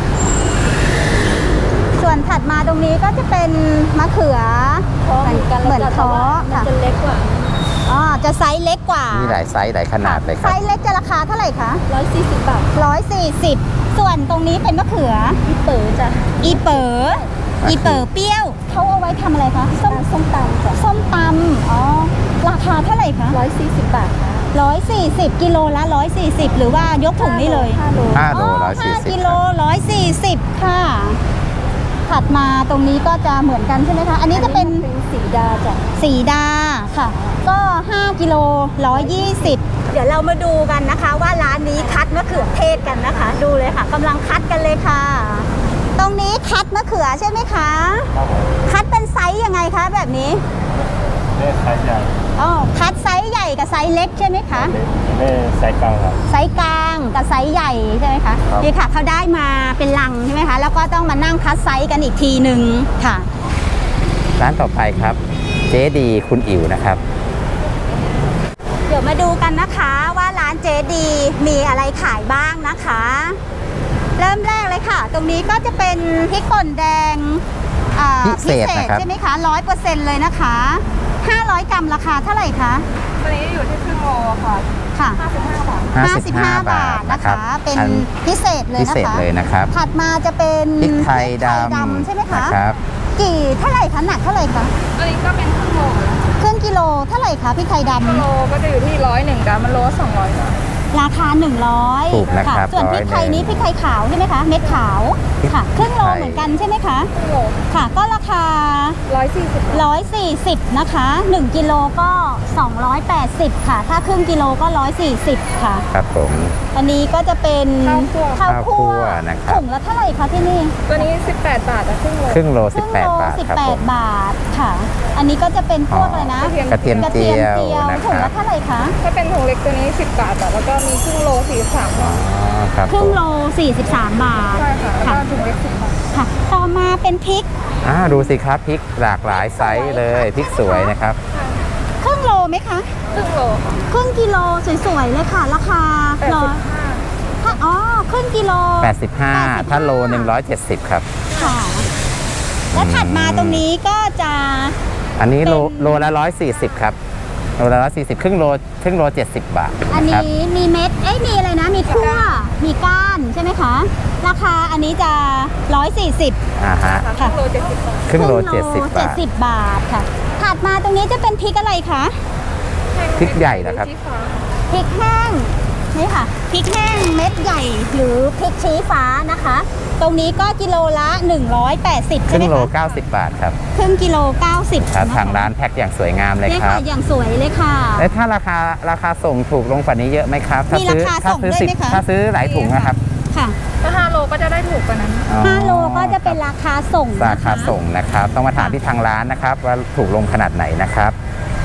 [SPEAKER 1] ส่วนถัดมาตรงนี้ก็จะเป็นมะเขือ
[SPEAKER 5] ท้อเหมือนกัน
[SPEAKER 1] เหมือน
[SPEAKER 5] แล้วจ้ะ
[SPEAKER 1] ท้อ
[SPEAKER 5] แต่ว่ามัน
[SPEAKER 1] ค่ะ
[SPEAKER 5] จะเล็กกว่า
[SPEAKER 1] อ๋อจะไซส์เล็กกว่า
[SPEAKER 3] มีหลายไซส์หลายขนาดเลยค
[SPEAKER 1] ไซ
[SPEAKER 3] รับ
[SPEAKER 1] ส์เล็กจะราคาเท่าไหร่คะ
[SPEAKER 5] ร้อยสี่สิบบาท
[SPEAKER 1] ร้อยสี่สิบส่วนตรงนี้เป็นมะเขือ
[SPEAKER 5] พี่เป๋อจ้ะ
[SPEAKER 1] อีเป๋ออีเป๋อเปรี้ยวเขาเอาไว้ทำอะไรคะส้ม
[SPEAKER 5] ส้มตำจ้ะ
[SPEAKER 1] ส้มตำอ๋อราคาเท่าไหร่คะ
[SPEAKER 5] ร้อยสี่สิบบาทค่ะ
[SPEAKER 1] ร้อยสี่สิบกิโลละร้อยสี่สิบหรือว่ายกถุงนี่เลย
[SPEAKER 5] ห้าโล
[SPEAKER 3] ห้าโล
[SPEAKER 1] อ๋อ
[SPEAKER 3] ร้อยสี่
[SPEAKER 1] ห้า
[SPEAKER 3] สิบ
[SPEAKER 1] กิโลร้อยสี่สิบค่ะ ถัดมาตรงนี้ก็จะเหมือนกันใช่ไหมคะ อันนี้จะเป็น
[SPEAKER 5] เป็นสีดาจ้ะ
[SPEAKER 1] สีดาค่ะ ก็ห้ากิโลร้อยยี่สิบเดี๋ยวเรามาดูกันนะคะ ว่าร้านนี้คัดมะเขือเทศกันนะคะ ดูเลยค่ะกำลังคัดกันเลยค่ะ ตรงนี้คัดมะเขือใช่ไหมคะ คัดเป็นไซส์ยังไงคะแบบนี้
[SPEAKER 6] นี่ไซส์ใหญ่
[SPEAKER 1] อ๋อคัดไซส์ใหญ่กับไซส์เล็กใช่ไหมคะ
[SPEAKER 6] นี่ไซส์กลางครับ
[SPEAKER 1] ไซส์กลางกับไซส์ใหญ่ใช่ไหมคะ
[SPEAKER 6] ครับ
[SPEAKER 1] นี่ค่ะเขาได้มาเป็นลังใช่ไหมคะแล้วก็ต้องมานั่งคัดไซส์กันอีกทีหนึ่งค่ะ
[SPEAKER 3] ร้านต่อไปครับ เจ๊ดีคุณอิ๋วนะครับ
[SPEAKER 1] เดี๋ยวมาดูกันนะคะว่าร้านเจดีมีอะไรขายบ้างนะคะ เริ่มแรกเลยค่ะ ตรงนี้ก็จะเป็นพริกป่นแดงอ่า
[SPEAKER 3] พิเศษนะครับ
[SPEAKER 1] ใช่ไหมคะร้อยเปอร์เซ็นต์เลยนะคะห้าร้อยกรัมราคาเท่าไหร่คะ
[SPEAKER 2] ตัวนี้อยู่ที่ครึ่งโลค่ะ
[SPEAKER 1] ค่ะ
[SPEAKER 2] ห้าสิบห้าบาท
[SPEAKER 3] ห้าสิบห้า
[SPEAKER 1] 55
[SPEAKER 3] บาท
[SPEAKER 1] นะ
[SPEAKER 3] นะคะ
[SPEAKER 1] คะ เป็น
[SPEAKER 3] อัน
[SPEAKER 1] พิเศษเลย
[SPEAKER 3] พิ
[SPEAKER 1] นะ
[SPEAKER 3] เศษ
[SPEAKER 1] คะ
[SPEAKER 3] เลยนะครับ
[SPEAKER 1] ถัดมาจะเป็น
[SPEAKER 3] พริกไทยด
[SPEAKER 1] พริกไทย
[SPEAKER 3] ำ
[SPEAKER 1] ใช่ไหมคะ
[SPEAKER 3] นะครับ
[SPEAKER 1] กี่เท่าไหร่คะหนักเท่าไหร่คะ
[SPEAKER 2] ตัวนี้ก็เป็นครึ่งโลแล้ว
[SPEAKER 1] ครึ่งกิโลเท่าไหร่คะพริกไทยดำ
[SPEAKER 2] โลก็จะอยู่ที่ร้อยหนึ่งกรัมมันโลสองร้อยบาท
[SPEAKER 1] ราคาหนึ่งร้อย
[SPEAKER 3] ถูกนะครับ
[SPEAKER 1] ส่วนพริกไทย
[SPEAKER 3] ร้อยหนึ่ง
[SPEAKER 1] นี้พริกไทยขาวใช่ไหมคะ เม็ดขาว
[SPEAKER 3] พริก
[SPEAKER 1] ค่ะ ครึ่งโล
[SPEAKER 3] ไทย
[SPEAKER 1] เหมือนกันใช่ไหมคะ
[SPEAKER 2] ครึ่งโล
[SPEAKER 1] ค่ะ ก็ราคา
[SPEAKER 2] ร้อยสี่สิบ
[SPEAKER 1] ร้อยสี่สิบนะคะหนึ่งกิโลก็สองร้อยแปดสิบค่ะ ถ้าครึ่งกิโลก็ร้อยสี่สิบค่ะ
[SPEAKER 3] ครับผม
[SPEAKER 1] อันนี้ก็จะเป็น
[SPEAKER 2] ข้าวคั่ว
[SPEAKER 1] ข้าว
[SPEAKER 3] ข้าวคั่
[SPEAKER 1] คั่ว
[SPEAKER 3] วนะครับ
[SPEAKER 1] ถุงละเท่าไหร่คะที่นี่
[SPEAKER 2] ตัวนี้สิบแปดบาทแต่ครึ่งโล
[SPEAKER 3] ครึ่งโล
[SPEAKER 1] ค
[SPEAKER 3] สิบ
[SPEAKER 1] รึ่ง
[SPEAKER 3] แปด
[SPEAKER 1] โล
[SPEAKER 3] บาท
[SPEAKER 1] สิบ
[SPEAKER 3] ครับ
[SPEAKER 1] แป
[SPEAKER 3] ผ
[SPEAKER 1] ด
[SPEAKER 3] ม
[SPEAKER 1] บาทค่ะ อันนี้ก็จะเป็นพวก
[SPEAKER 3] อ๋ออ
[SPEAKER 1] อะไรนะ
[SPEAKER 3] กระเทียม
[SPEAKER 1] กระเทียมเจียว
[SPEAKER 3] นะ
[SPEAKER 1] ถุง
[SPEAKER 3] ครั
[SPEAKER 1] ละ
[SPEAKER 3] บ
[SPEAKER 1] เท่าไหร่คะ
[SPEAKER 2] ถ้าเป็นถุงเล็กตัวนี้สิบบาทแต่แล้วก็มีครึ่งโลสี่สิบสาม
[SPEAKER 3] อ๋
[SPEAKER 2] บา
[SPEAKER 3] อ
[SPEAKER 2] ท
[SPEAKER 3] ครับ
[SPEAKER 1] ครึ่
[SPEAKER 3] ผ
[SPEAKER 1] ง
[SPEAKER 3] ม
[SPEAKER 1] โลสี่สิบสามบาท
[SPEAKER 2] ใช่ค่ะแล้ว
[SPEAKER 1] ค่ะ
[SPEAKER 2] ก็ถุงเล็กสิบบาท
[SPEAKER 1] ค่ะ ต่อมาเป็นพริก
[SPEAKER 3] อ่าดูสิครับพริกหลากหลายไซส์เลยพริกสวยนะครับ
[SPEAKER 1] ครึ่งโลไหมคะ
[SPEAKER 2] ครึ่งโลค่ะ
[SPEAKER 1] ครึ่งกิโลสวยๆเลยค่ะ ราคา
[SPEAKER 2] แปด
[SPEAKER 1] ร้อ
[SPEAKER 2] สิ
[SPEAKER 1] ย
[SPEAKER 2] บห้า
[SPEAKER 1] ถ้าอ๋อครึ่งกิโล
[SPEAKER 3] แปดสิบห้า ถ้าโลหนึ่งร้อยเจ็ดสิบครับ
[SPEAKER 1] ค่ะ แล้วถัดมาตรงนี้ก็จะ
[SPEAKER 3] อันนี้โล
[SPEAKER 1] เป็น
[SPEAKER 3] โลละร้อยสี่สิบครับโลละร้อยสี่สิบครึ่งโลครึ่งโลเจ็ดสิบบาท
[SPEAKER 1] อัน
[SPEAKER 3] ครับ
[SPEAKER 1] นี้มีเม็ด เอ้ยมีอะไรนะ มีคั่ว มีก้านใช่ไหมคะ ราคาอันนี้จะร้อยสี่สิบ
[SPEAKER 3] อ่าฮะ
[SPEAKER 2] ค่ะครึ่งโลเจ็ดสิบบาท
[SPEAKER 3] ครึ่งโลเจ็ดสิบ
[SPEAKER 1] เจ็
[SPEAKER 3] บา
[SPEAKER 1] ด
[SPEAKER 3] ท
[SPEAKER 1] สิบบาทค่ะ ถัดมาตรงนี้จะเป็นพริกอะไรคะ
[SPEAKER 3] พริกใหญ่นะครับ
[SPEAKER 2] ชี้ฟ้า
[SPEAKER 1] พริกแห้งนี่ค่ะพริกแห้งเม็ดใหญ่หรือพริกชี้ฟ้านะคะ ตรงนี้ก็กิโลละหนึ่งร้อยแปดสิบ
[SPEAKER 3] ค
[SPEAKER 1] ใช่
[SPEAKER 3] รึ่
[SPEAKER 1] ไหม
[SPEAKER 3] งโล
[SPEAKER 1] คะ
[SPEAKER 3] เก้าสิบบาทครับ
[SPEAKER 1] ครึ่งกิโลเก้าสิบ
[SPEAKER 3] ครับ
[SPEAKER 1] นะคะ
[SPEAKER 3] ทางร้านแพ็คอย่างสวยงามเลย
[SPEAKER 1] เนี่ย
[SPEAKER 3] ครั
[SPEAKER 1] ค่ะ
[SPEAKER 3] บ
[SPEAKER 1] อย่างสวยเลยค่ะ
[SPEAKER 3] แล้วถ้าราคาราคาส่งถูกลงกว่านี้เยอะไหมครับถ้า
[SPEAKER 1] มี
[SPEAKER 3] ซื้อ
[SPEAKER 1] ราคา
[SPEAKER 3] ถ้า
[SPEAKER 1] ส่ง
[SPEAKER 3] ซื้อ
[SPEAKER 1] ด้วย
[SPEAKER 3] สิบ
[SPEAKER 1] ไหมคะ
[SPEAKER 3] ถ้าซื้อหลายถุงนะครับ
[SPEAKER 1] ค่ะ
[SPEAKER 2] ถ้าห้าโลก็จะได้ถูกกว่านั้น
[SPEAKER 3] อ๋อ
[SPEAKER 1] ห้าโลก็จะเป็นราคาส่งนะคะ
[SPEAKER 3] ราคาส่งนะครับ ต้องมาถามที่ทางร้านนะครับ ว่าถูกลงขนาดไหนนะครับ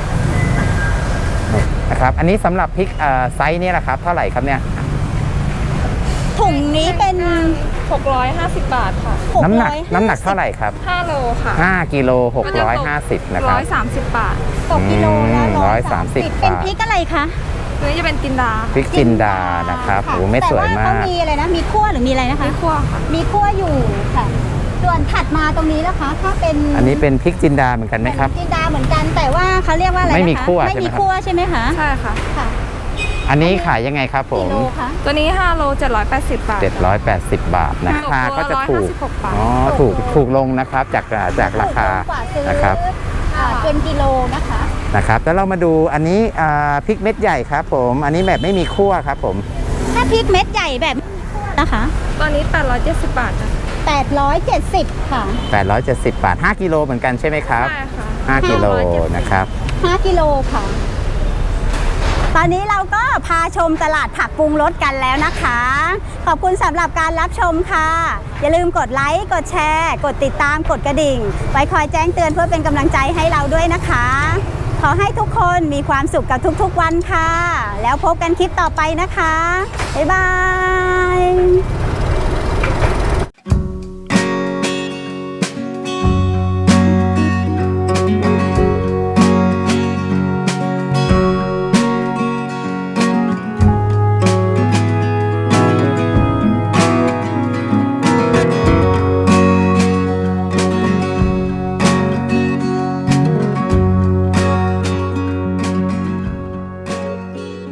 [SPEAKER 3] นะครับ อันนี้สำหรับพริกเอ่อไซส์นี้แหละครับเท่าไหร่ครับเนี่ย
[SPEAKER 1] ถุงนี้เป็น
[SPEAKER 2] หกร้อยห้าสิบบาทค่ะ
[SPEAKER 1] หก
[SPEAKER 3] น้ำหนัก
[SPEAKER 1] ร้อย
[SPEAKER 3] น้ำหนักเท่าไหร่ครับ
[SPEAKER 2] ห้าโลค่ะ
[SPEAKER 3] ห้ากิโลหกร้อยห้าสิบนะค
[SPEAKER 2] ร้
[SPEAKER 3] รับ
[SPEAKER 2] อยสามสิบบาท
[SPEAKER 1] ตกกิโลละ
[SPEAKER 3] อืม
[SPEAKER 1] ร้อยสามสิบ
[SPEAKER 3] ร้อยสามสิบ
[SPEAKER 1] เป็น
[SPEAKER 3] บาท
[SPEAKER 1] พริกอะไรคะ
[SPEAKER 2] ตัวนี้จะเป็นจินดา
[SPEAKER 3] พริกจินดานะครับ
[SPEAKER 1] ค่ะ
[SPEAKER 3] โอ้ไม่สวย
[SPEAKER 1] แต่
[SPEAKER 3] มา
[SPEAKER 1] เขา
[SPEAKER 3] ก
[SPEAKER 1] มีอะไรนะ มีคั่วหรือมีอะไรนะคะ
[SPEAKER 2] ไม่คั่วค่ะ
[SPEAKER 1] มีคั่วอยู่ค่ะ ส่วนถัดมาตรงนี้นะคะ ถ้าเป็น
[SPEAKER 3] อันนี้เป็นพริกจินดาเหมือนกันไหมครับ
[SPEAKER 1] จินดาเหมือนกัน แต่ว่าเขาเรียกว่าอะไรนะคะ
[SPEAKER 3] ไม่มีคั่ว
[SPEAKER 1] ไม่
[SPEAKER 3] ใช่ไหม
[SPEAKER 1] มี
[SPEAKER 3] ครับ
[SPEAKER 1] คั่วใช่ไหมคะ
[SPEAKER 2] ใช่ค่ะ
[SPEAKER 1] ค่ะ
[SPEAKER 3] อันนี้ขายยังไงครับผ
[SPEAKER 1] กิ
[SPEAKER 3] ม
[SPEAKER 1] โลคะ
[SPEAKER 2] ตัวนี้ห้าโลเจ็ดร้อยแปดสิบบาท
[SPEAKER 3] เจ็ดร้อยแปดสิบบาทนะ
[SPEAKER 2] ตก
[SPEAKER 3] ราคาก็จะ
[SPEAKER 2] ตัวละ
[SPEAKER 3] ถูก
[SPEAKER 2] ร้อยห้าสิบหกบาท
[SPEAKER 3] อ๋อถูกถูกลงนะครับจากจากราคา
[SPEAKER 1] ถูกกว่าซื้อ
[SPEAKER 3] นะครับ
[SPEAKER 1] อ่าเป็นกิโลนะคะ
[SPEAKER 3] นะครับแล้วเรามาดูอันนี้อ่าพริกเม็ดใหญ่ครับผมอันนี้แบบไม่มีคั่วครับผม
[SPEAKER 1] ถ้าพริกเม็ดใหญ่แบบนะคะ
[SPEAKER 2] ตัวนี้แปดร้อยเจ็ดสิบบาทจ้ะ
[SPEAKER 1] แปดร้อยเจ็ดสิบค่ะ
[SPEAKER 3] แปดร้อยเจ็ดสิบบาทห้ากิโลเหมือนกันใช่ไหมครับ
[SPEAKER 2] ใช่ค่ะ
[SPEAKER 3] ห้ากิโล
[SPEAKER 2] ห้าร้อยเจ็ดสิบ
[SPEAKER 3] นะครับ
[SPEAKER 1] ห้ากิโลค่ะ ตอนนี้เราก็พาชมตลาดผักปรุงรสกันแล้วนะคะ ขอบคุณสำหรับการรับชมค่ะ อย่าลืมกดไลค์ กดแชร์ กดติดตาม กดกระดิ่ง ไว้คอยแจ้งเตือนเพื่อเป็นกำลังใจให้เราด้วยนะคะ ขอให้ทุกคนมีความสุขกับทุกๆวันค่ะ แล้วพบกันคลิปต่อไปนะคะ บ๊ายบาย